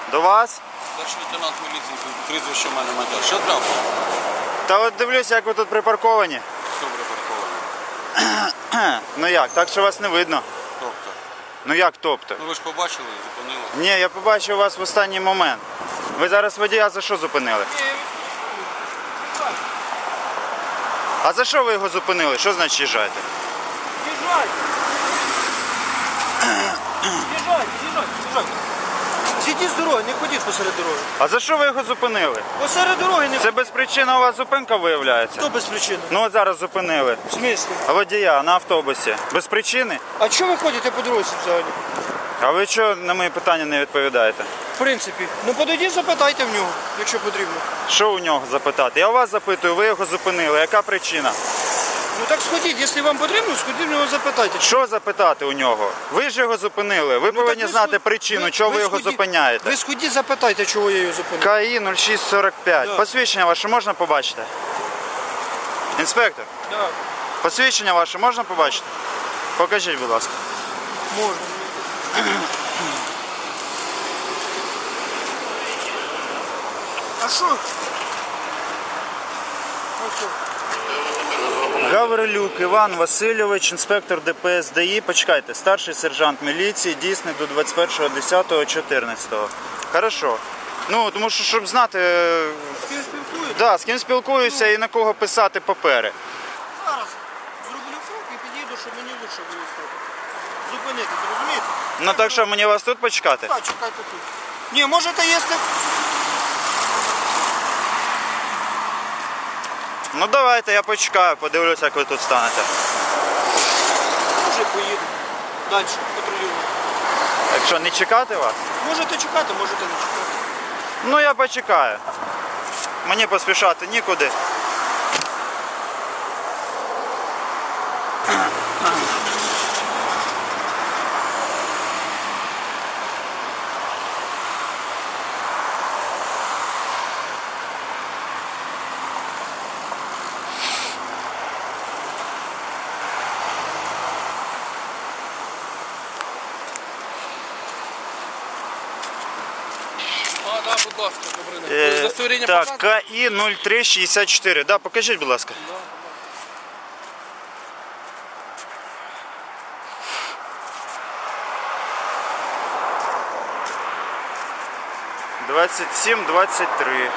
До вас? Старший лейтенант міліції, прізвище в мене Мадяр. Що треба? Та от дивлюсь, як ви тут припарковані. Що припарковано? Ну як, так що вас не видно. Тобто? Ну як тобто? Ну ви ж побачили, зупинили. Ні, я побачив вас в останній момент. Ви зараз водія за що зупинили? А за що ви його зупинили? Що значить їжджайте? Їжджайте! Їжджайте! Зійдіть з дороги, не ходіть посеред дороги. А за що ви його зупинили? Посеред дороги не Це без причини у вас зупинка виявляється? Хто без причини? Ну от зараз зупинили. В смислі? Водія на автобусі. Без причини? А чого ви ходите по дорозі взагалі? А ви чого на мої питання не відповідаєте? В принципі. Ну подойдіть, запитайте в нього, якщо потрібно. Що у нього запитати? Я у вас запитую, ви його зупинили. Яка причина? Ну так сходіть, якщо вам потрібно, сходіть в нього запитайте. Що запитати у нього? Ви ж його зупинили. Ви повинні знати причину, чого ви його зупиняєте. Ви сходіть, запитайте, чого я його зупинив. КАІ 0645. Да. Посвідчення ваше можна побачити? Інспектор, Так, посвідчення ваше можна побачити? Покажіть, будь ласка. можна. А що? А що? Гаврилюк Іван Васильович, інспектор ДПС ДАІ. Почекайте, старший сержант міліції, дійсний до 21.10.14. Хорошо. Ну, тому що, щоб знати, З ким спілкуєтесь? да, з ким спілкуюся і на кого писати папери. Зараз зроблю крок і підійду, щоб мені лучше було стати. Зупинити, зрозумієте? Ну так що, мені вас тут почекати? Так, чекайте тут. Ні, можете, якщо... Ну давайте, я почекаю, подивлюся, як ви тут станете. Може поїду. Далі, патрулюю. Якщо не чекати вас, Можете чекати, можете не чекати. ну я почекаю. Мені поспішати нікуди. А, так, будь ласка, добре. Удостоверення Так, показує? КАІ 0364. Да, покажіть, будь ласка. Да. 27-23.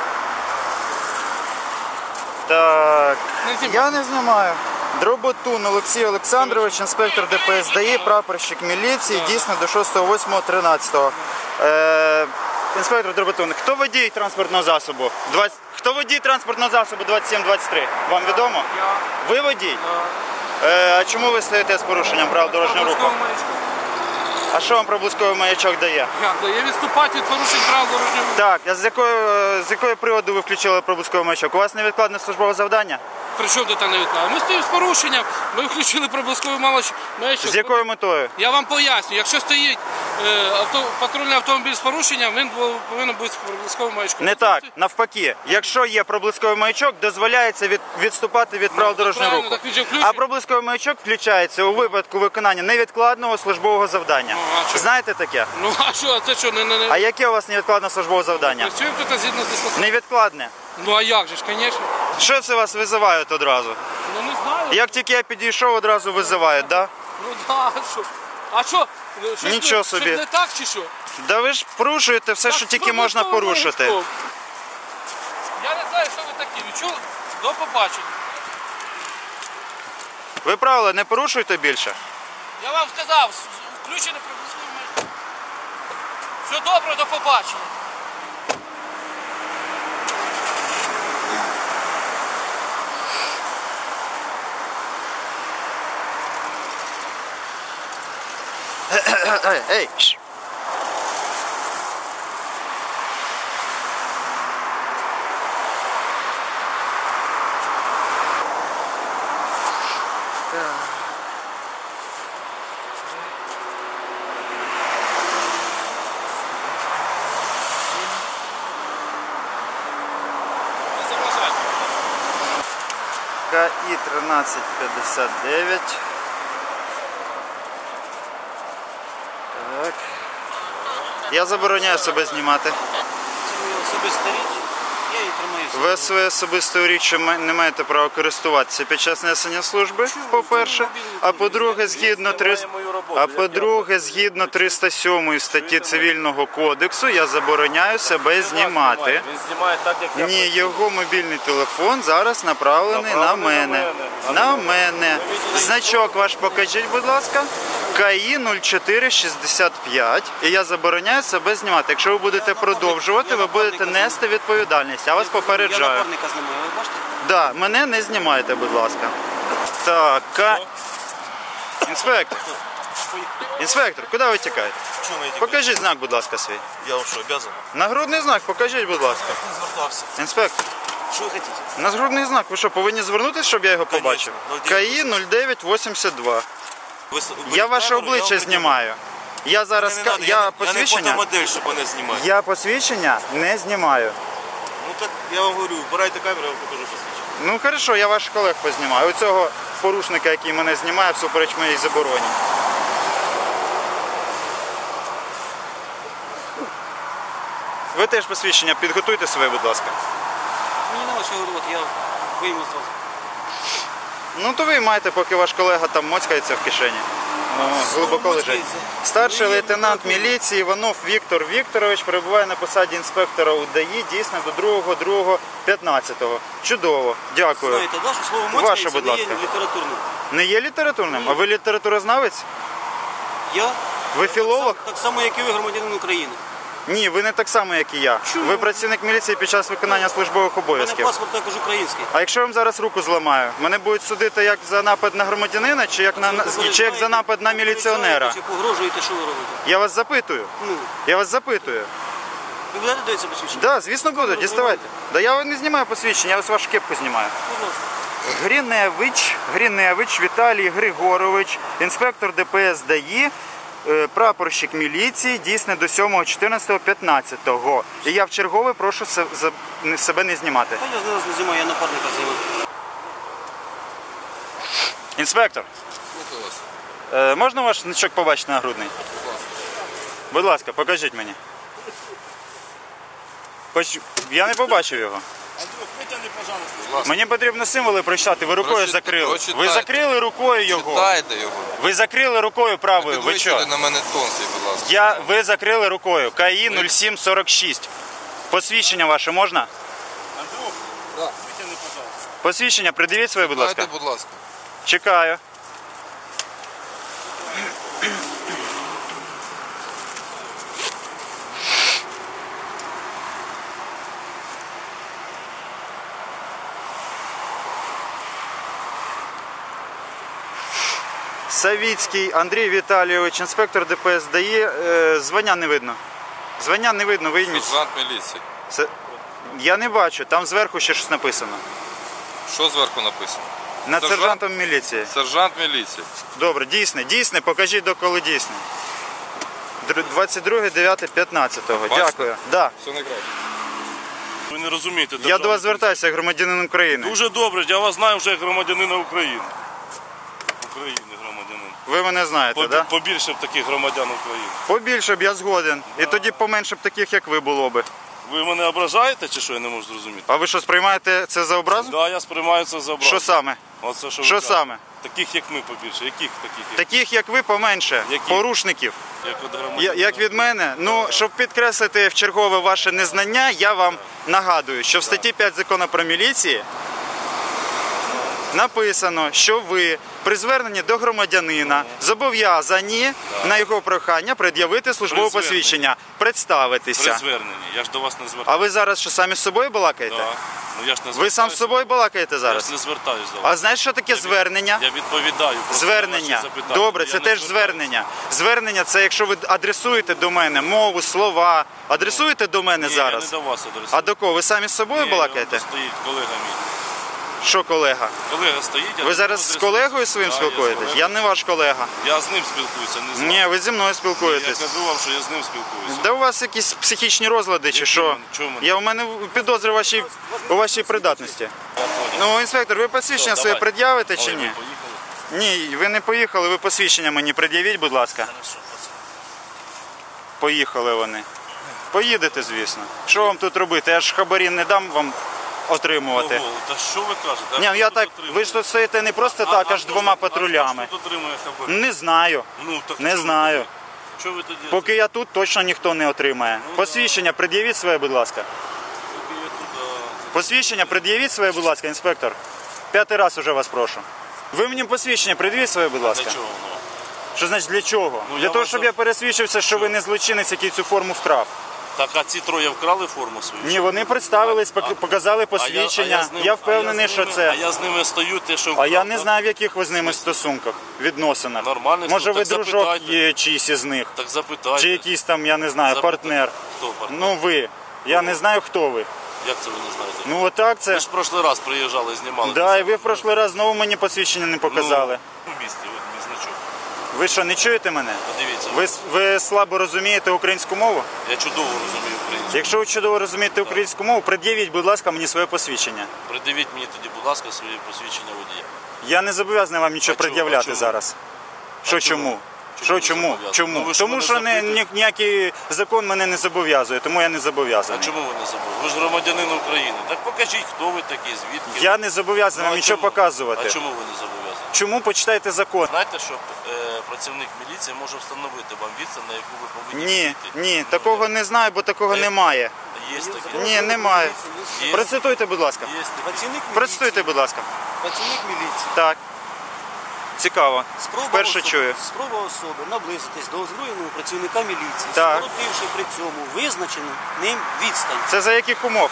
Так, я не знімаю. Дроботун Олексій Олександрович, інспектор ДПС ДАІ, прапорщик міліції, дійсно до 6.08.13. Інспектор Дроботун, хто водій транспортного засобу? Хто водій транспортного засобу 27-23? Вам відомо? Я. Ви водій? А чому ви стоїте з порушенням правил дорожнього руху? А що вам проблисковий маячок дає? Як дає відступати від порушень правил дорожнього руху? Так, а з якої приводу ви включили проблисковий маячок? У вас невідкладне службове завдання? При чому тут невідкладно? Ми стоїмо з порушенням, ми включили проблисковий маячок. З якою метою? Я вам поясню, якщо стоїть патрульний автомобіль з порушенням, він повинен бути з проблисковим маячком. Не так, навпаки. Якщо є проблисковий маячок, дозволяється відступати від правил дорожнього правильно, руху. так він же включений. А проблисковий маячок включається у випадку виконання невідкладного службового завдання. Ну, а що? Знаєте таке? Ну а що, це що, не... А яке у вас невідкладне службове завдання? Працюємо тут згідно з дислокацією. Невідкладне. Ну а як же ж, звісно. Що це вас визивають одразу? Ну не знаю. Як тільки я підійшов, одразу визивають, так? Да? Ну да, що? А що? Щось Нічого не, собі. щось не так чи що? Да ви ж порушуєте все, що Так, тільки можна проблисковим порушити. маячком. Я не знаю, що ви такі. Ви чули? До побачення. Ви правила не порушуєте більше? Я вам сказав, включений проблисковий маячок. Все добре, до побачення. Ей! Шш. Не заважайте. КАІ 1359. Так. Я забороняю себе знімати. Це моя особиста річ. Я її тримаю собі. Ви своєю особистою річчю не маєте права користуватися під час несення служби, по-перше. А по-друге, згідно 307 статті Цивільного кодексу, я забороняю себе знімати. Він знімає так, як я Ні, його мобільний телефон зараз направлений на мене. На мене. Значок ваш покажіть, будь ласка. КАІ 0465. І я забороняю себе знімати. Якщо ви будете продовжувати, ви будете нести відповідальність. Я вас Я попереджаю. напарника знімаю, ви бачите? Да, мене не знімайте, будь ласка. Так, інспектор. Інспектор, куди ви тікаєте? чому я Покажіть знак, будь ласка, свій. Я вам що, обязан? Нагрудний знак, покажіть, будь ласка. Не звертався. Інспектор, Що ви хочете? нагрудний знак, ви що, повинні звернутися, щоб я його побачив? КАІ 0982. Я ваше обличчя знімаю. Я зараз, я Я не посвідчення, фотомодель, щоб мене знімати. я посвідчення не знімаю. Ну так, я вам говорю, вбирайте камеру, я вам покажу посвідчення. Ну хорошо, я ваших колег познімаю. Оцього порушника, який мене знімає, всупереч моїй забороні. Ви теж посвідчення підготуйте своє, будь ласка. Мені не що говорити, я вийму зразу. Ну то ви маєте, поки ваш колега там моцькається в кишені. Глибоко лежить. моцькається? Старший Ні, лейтенант ні, ні. міліції Іванов Віктор Вікторович перебуває на посаді інспектора УДАІ дійсно до 2.2.15. Чудово, дякую. Знаєте, да, що слово Ваше, моцькається будь не є ласка. літературним. Не є літературним? А ви літературознавець? Я Ви філолог? так само, як і ви, громадянин України. Ні, ви не так само, як і я. Чому? Ви працівник міліції під час виконання службових У мене обов'язків. паспорт також український. А якщо я вам зараз руку зламаю, мене будуть судити як за напад на громадянина, чи як, чи як за напад на міліціонера? Чи погрожуєте, що ви робите? Я вас запитую. Ну, Я вас запитую. ви будете дивитися посвідчення? Так, да, звісно буду, діставайте. Да я не знімаю посвідчення, я ось вашу кепку знімаю. Будь ласка. Гриневич Віталій Григорович, інспектор ДПС ДАІ, прапорщик міліції, дійсне до 7.14.15. І я вчергове прошу себе не знімати. Та я зараз не знімаю, я напарника знімаю. Інспектор, можна ваш значок побачити нагрудний? Будь ласка, покажіть мені. Я не побачив його. Андрюх, витягни, пожалуйста. Мені потрібно символи прочитати, ви рукою закрили. Ви прочитайте. закрили рукою його. Читайте його. Ви закрили рукою правою. Ви що? Підвищуйте на мене тон свій, будь ласка. Ви закрили рукою. КАІ 0746. Посвідчення ваше можна? Андрюх, Да. витягни, пожалуйста. Посвідчення придивіть своє, будь ласка. Дайте, будь ласка. Чекаю. Савіцький Андрій Віталійович, інспектор ДПС ДАІ. Звання не видно. Звання не видно, вийміть. Сержант міліції. Я не бачу, там зверху ще щось написано. Що зверху написано? Над Сержант? сержантом міліції. Сержант міліції. Добре, дійсне, покажіть доколи дійсне. 22.09.15. Дякую. Да. Все найкраще. Ви не розумієте. Я до вас звертаюся як громадянин України. Дуже добре, я вас знаю вже як громадянина України. України громадянин. Ви мене знаєте, так? Да? Побільше б таких громадян України. Побільше б я згоден. І тоді поменше б таких, як ви було би. Ви мене ображаєте чи що, я не можу зрозуміти? А ви що, сприймаєте це за образу? Да, я сприймаю це за образу. Що саме? Оце, що ви Що кажете. саме? Таких як ми побільше. Яких таких? Таких, як ви, поменше. Які? Порушників. Як от громадянина. Як від мене, ну, щоб підкреслити в чергове ваше незнання, я вам нагадую, що в статті 5 Закону про міліцію написано, що ви при зверненні до громадянина зобов'язані на його прохання пред'явити службове При зверненні. посвідчення, При представитися. зверненні. Я ж до вас не звертаюся. А ви зараз що, самі з собою балакаєте? Да. Ну, я ж не Ви сам з собою балакаєте Я ж зараз? не звертаюсь до вас. А знаєш, що таке звернення? Я відповідаю. просто на Звернення. ваші запитання. Добре, Я це не теж звертаюсь. звернення. Звернення це якщо ви адресуєте до мене мову, слова. Адресуєте до мене Ні, зараз? я не до вас адресую. А до кого? Ви самі з собою Ні, балакаєте? он стоїть колега мій. Що колега? Колега стоїть. я Ви до зараз нього з адресуюсь. колегою своїм Да, спілкуєтесь? Я, з Я колегою. не ваш колега. Я з ним спілкуюся, не з вами. Ні, ви зі мною Я спілкуєтесь. кажу вам, що я з ним спілкуюся. Да у вас якісь психічні розлади чи Які що? вони? Чому вони? Я у мене підозри у вашій придатності. Я понял. Ну, інспектор, ви посвідчення Все, своє давай. пред'явите чи Ой, ні? ви поїхали? Ні, ви не поїхали, ви посвідчення мені пред'явіть, будь ласка. Хорошо, Поїхали вони. Поїдете, звісно. Що вам тут робити? Я ж хабарі не дам вам отримувати. Ого, та що ви кажете? Ні, А я хто так, тут отримує? ви ж тут стоїте не просто так, аж двома патрулями. А хто тут отримує хабарі? Не знаю. Ну, так Не що ви знаю. тоді? Що ви тоді? Поки я тут, точно ніхто не отримає. Посвідчення пред'явіть своє, будь ласка. Поки я тут, Посвідчення пред'явіть своє, будь ласка, інспектор. 5-й раз уже вас прошу. Ви мені посвідчення пред'явіть своє, будь ласка. Для чого воно? Що значить для чого? Ну, Для я того, вас щоб за- я пересвідчився, що ви не злочинець, який цю форму вкрав. Так, а ці троє вкрали форму свою? Ні, вони представились, показали посвідчення. Я впевнений, що це. А я з ними стою, те, що А я вкрав, не так? знаю, в яких ви з ними стосунках, відносинах. Нормальних, Може, ну, ви так дружок запитайте. є чийсь із них. Так запитайте. Чи якийсь там, я не знаю, Запитайте. партнер. Хто партнер? Ну ви. Я не знаю, хто ви. Як це ви не знаєте? Ну отак це. Ви ж в прошлий раз приїжджали, знімали. Да, і ви в прошлий раз знову мені посвідчення не показали. Ну, в місті, от мій значок. Ви що, не чуєте мене? Подивіться. Ви слабо розумієте українську мову? Я чудово розумію українську. Якщо ви чудово розумієте українську мову, пред'явіть, будь ласка, мені своє посвідчення. Придивіть мені тоді, будь ласка, своє посвідчення водія. Я не зобов'язаний вам нічого А чому? пред'являти А чому? зараз. Що чому? чому? Чому Що ви чому? зобов'язані? Чому? Ну, ви ж Тому мене що запитуєте. ніякий закон мене не зобов'язує, тому я не А зобов'язаний. чому ви не забули? Ви ж громадянин України. Так покажіть, хто ви такі, звідки. Я не зобов'язаний Ну, вам а нічого чому? показувати. А чому ви не зобов'язані? Чому почитайте закон? Знаєте, що працівник міліції може встановити вам відстань, на яку ви повинні Ні, йти? ні, такого не знаю, бо такого немає. Є таке. Ні, немає. Є. Процитуйте, будь ласка. Є таке. Працівник міліції. Процитуйте, будь ласка. Працівник міліції. Так. Цікаво. Вперше чую. Спроба особи наблизитись до озброєного працівника міліції, Так. скоротивши при цьому визначену ним відстань. Це за яких умов?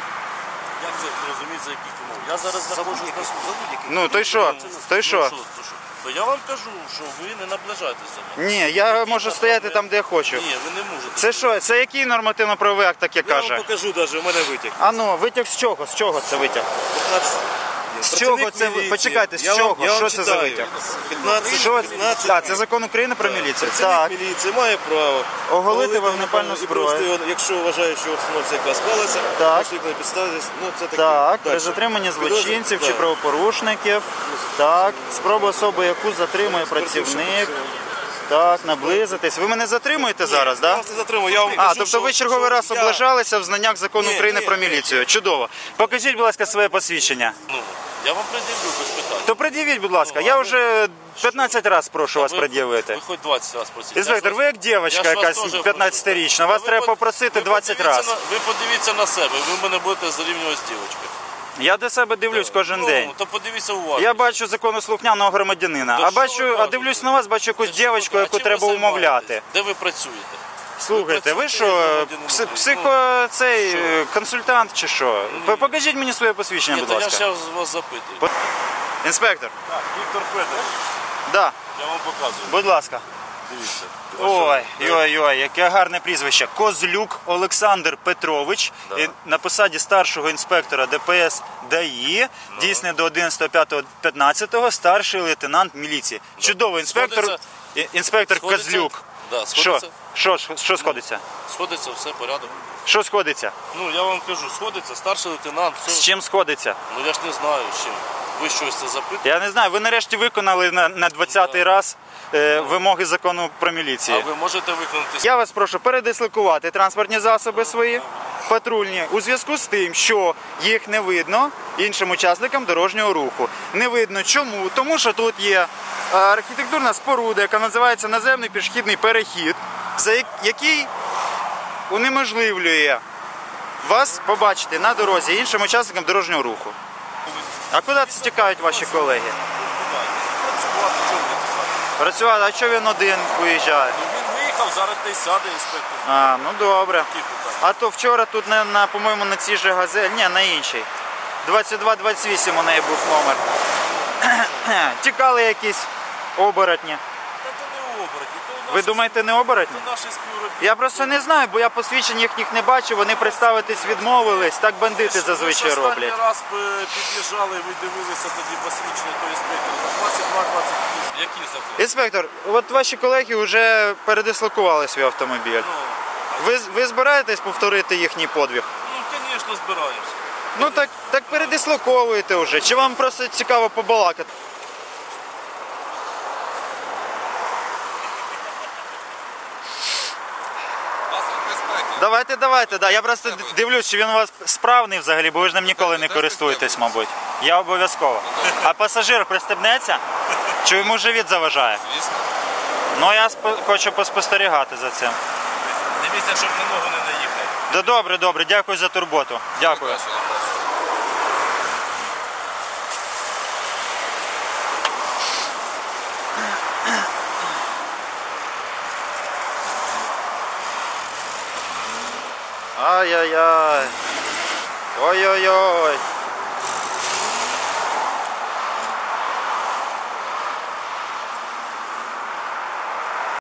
Як це зрозуміти, за яких умов? Я зараз За знаходжусь будь-яких. на За будь-яких. Ну, то й що? То й Ну, що? то що? То я вам кажу, що ви не наближаєтесь до мене. Ні, я можу стояти там, де я хочу. Ні, ви не можете. Це що? Це який нормативно-правовий акт таке Я вам каже? покажу навіть, у мене витяг. А ну, витяг з чого? З чого це витяг? 15. З чого це? Почекайте, з чого? Що це за витяг? 15, Що? 15. Так, це закон України про міліцію. Працівник Так. міліції має право Оголити вогнепальну і зброю. просто, якщо вважає, що обстановка яка склалася, Так. наслідно на підставі, ну це таке. Так, при Дальше. затриманні злочинців чи Так. правопорушників. Так, спроба особи, яку затримує працівник. Так, наблизитись. Ви мене затримуєте зараз, Я так? вас не затримую, я вам А, кажу, тобто ви що- черговий раз що я- облажалися в знаннях закону Ні, України ні, про ні. міліцію. Чудово. Покажіть, будь ласка, своє посвідчення. Ну, я вам пред'явлю без питань. То пред'явіть, будь ласка. Я вже 15 разів прошу вас Ви- пред'явити. Ви хоч 20 разів просіть. Інспектор, ви як дівчинка я ж вас якась теж 15-річна. прошу. Вас Ви треба под- попросити ви 20 подивіться разів. Ви подивіться на себе, ви мене будете зарівнювати з дівчинкою. Я до себе дивлюсь кожен Ну, день. то подивіться уважно. Я бачу законослухняного громадянина, То а що ви бачу, а кажете? дивлюсь на вас, бачу якусь Та що ви дівчинку, кажете? яку А чим треба ви умовляти. займаєтесь? Де ви працюєте? Слухайте, ви працюєте що, як громадянин України? психо цей Що? консультант чи що? Покажіть мені своє посвідчення, Ні, будь то я ласка. зараз вас запитую. Інспектор, Так, Віктор Федорович, да, я вам показую. будь ласка. Дивіться. Ой, яке гарне прізвище. Козлюк Олександр Петрович, Да. на посаді старшого інспектора ДПС ДАІ, дійсне до 11.05.15, старший лейтенант міліції. Чудовий інспектор, Сходиться? інспектор Сходиться? Козлюк. Да, Що? сходиться? Що сходиться? Сходиться, все, порядок. Що сходиться? Ну, я вам кажу, сходиться, старший лейтенант, З все. чим сходиться? Ну, я ж не знаю, з чим. Ви щось це запитуєте? Я не знаю, ви нарешті виконали на 20-й раз вимоги закону про А міліцію. ви можете виконати? Я вас прошу передислокувати транспортні засоби свої, патрульні, у зв'язку з тим, що їх не видно іншим учасникам дорожнього руху. Не видно чому? Тому що тут є архітектурна споруда, яка називається наземний пішохідний перехід, який унеможливлює вас побачити на дорозі іншим учасникам дорожнього руху. А куди це тікають ваші колеги? Працювати, чого ви тікаєте? Працювати, а чого він один виїжджає? Ну, він виїхав, зараз та й сяде інспектор. А, ну добре. Які питання? А то вчора тут, по-моєму, на цій же газель, ні, на іншій. 2228 у неї був номер. Тікали якісь оборотні. Та то не оборотні, то наші, Ви думаєте, не оборотні? то наші співробітники. Я просто не знаю, бо я посвідчень їхніх не бачив, вони представитись відмовились, так бандити зазвичай Ви ж роблять. останній раз під'їжджали, ви дивилися тоді посвідчення того інспектора. 22-28. Які закони? Інспектор, от ваші колеги вже передислокували свій автомобіль. Ви збираєтесь повторити їхній подвиг? Ну, звісно, збираємося. Ну так передислоковуєте вже. Чи вам просто цікаво побалакати? Давайте, да. Я просто дивлюсь, чи він у вас справний взагалі, бо ви ж ним ніколи не користуєтесь, мабуть. Я обов'язково. А пасажир пристебнеться? Чи йому живіт заважає? Звісно. Ну, я хочу поспостерігати за цим. Дивіться, щоб на ногу не наїхати. Да добре, дякую за турботу. Дякую. Бачили. Ай-яй-яй. Ой-ой-ой.